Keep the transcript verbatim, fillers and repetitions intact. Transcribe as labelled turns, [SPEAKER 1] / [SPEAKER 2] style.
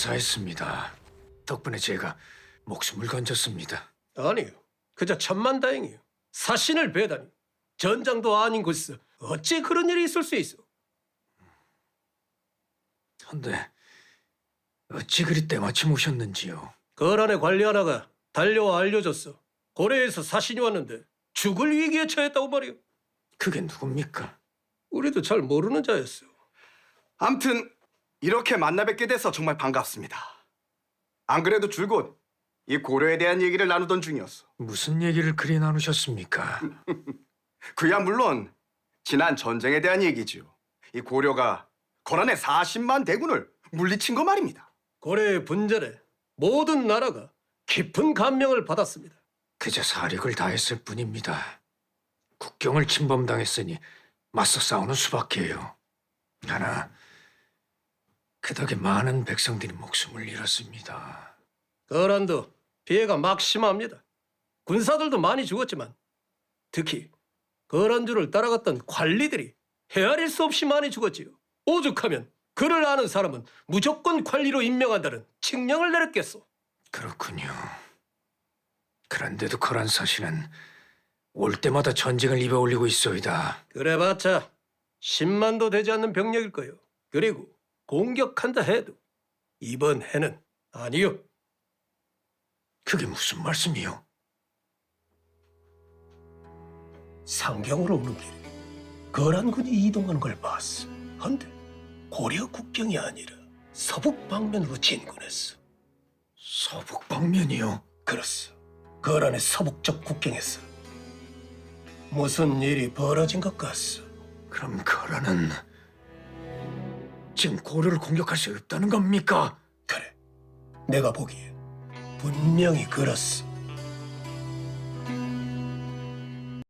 [SPEAKER 1] 사했습니다. 덕분에 제가 목숨을 건졌습니다.
[SPEAKER 2] 아니요. 그저 천만다행이요. 사신을 배다니. 전장도 아닌 곳에서 어찌 그런 일이 있을 수 있어?
[SPEAKER 1] 헌데 어찌 그리 때마침 오셨는지요?
[SPEAKER 2] 거란의 관리 하나가 달려와 알려줬어. 고래에서 사신이 왔는데 죽을 위기에 처했다고 말이오.
[SPEAKER 1] 그게 누굽니까?
[SPEAKER 2] 우리도 잘 모르는 자였어.
[SPEAKER 3] 암튼 이렇게 만나 뵙게 돼서 정말 반갑습니다. 안 그래도 줄곧 이 고려에 대한 얘기를 나누던 중이었어.
[SPEAKER 1] 무슨 얘기를 그리 나누셨습니까?
[SPEAKER 3] 그야 물론 지난 전쟁에 대한 얘기지요. 이 고려가 고란의 사십만 대군을 물리친 거 말입니다.
[SPEAKER 2] 고래의 분전에 모든 나라가 깊은 감명을 받았습니다.
[SPEAKER 1] 그저 사력을 다했을 뿐입니다. 국경을 침범당했으니 맞서 싸우는 수밖에요. 하나 그 덕에 많은 백성들이 목숨을 잃었습니다.
[SPEAKER 2] 거란도 피해가 막심합니다. 군사들도 많이 죽었지만 특히 거란주를 따라갔던 관리들이 헤아릴 수 없이 많이 죽었지요. 오죽하면 그를 아는 사람은 무조건 관리로 임명한다는 칙령을 내렸겠소.
[SPEAKER 1] 그렇군요. 그런데도 거란 사신은 올 때마다 전쟁을 입에 올리고 있어이다.
[SPEAKER 2] 그래봤자 십만도 되지 않는 병력일 거요. 그리고 공격한다 해도 이번 해는 아니요.
[SPEAKER 1] 그게 무슨 말씀이요?
[SPEAKER 2] 상경으로 오는 길에 거란군이 이동하는 걸 봤어. 한데 고려 국경이 아니라 서북 방면으로 진군했어.
[SPEAKER 1] 서북 방면이요?
[SPEAKER 2] 그렇소. 거란의 서북쪽 국경에서 무슨 일이 벌어진 것 같소.
[SPEAKER 1] 그럼 거란은 지금 고려를 공격할 수 없다는 겁니까?
[SPEAKER 2] 그래, 내가 보기에 분명히 그렇소.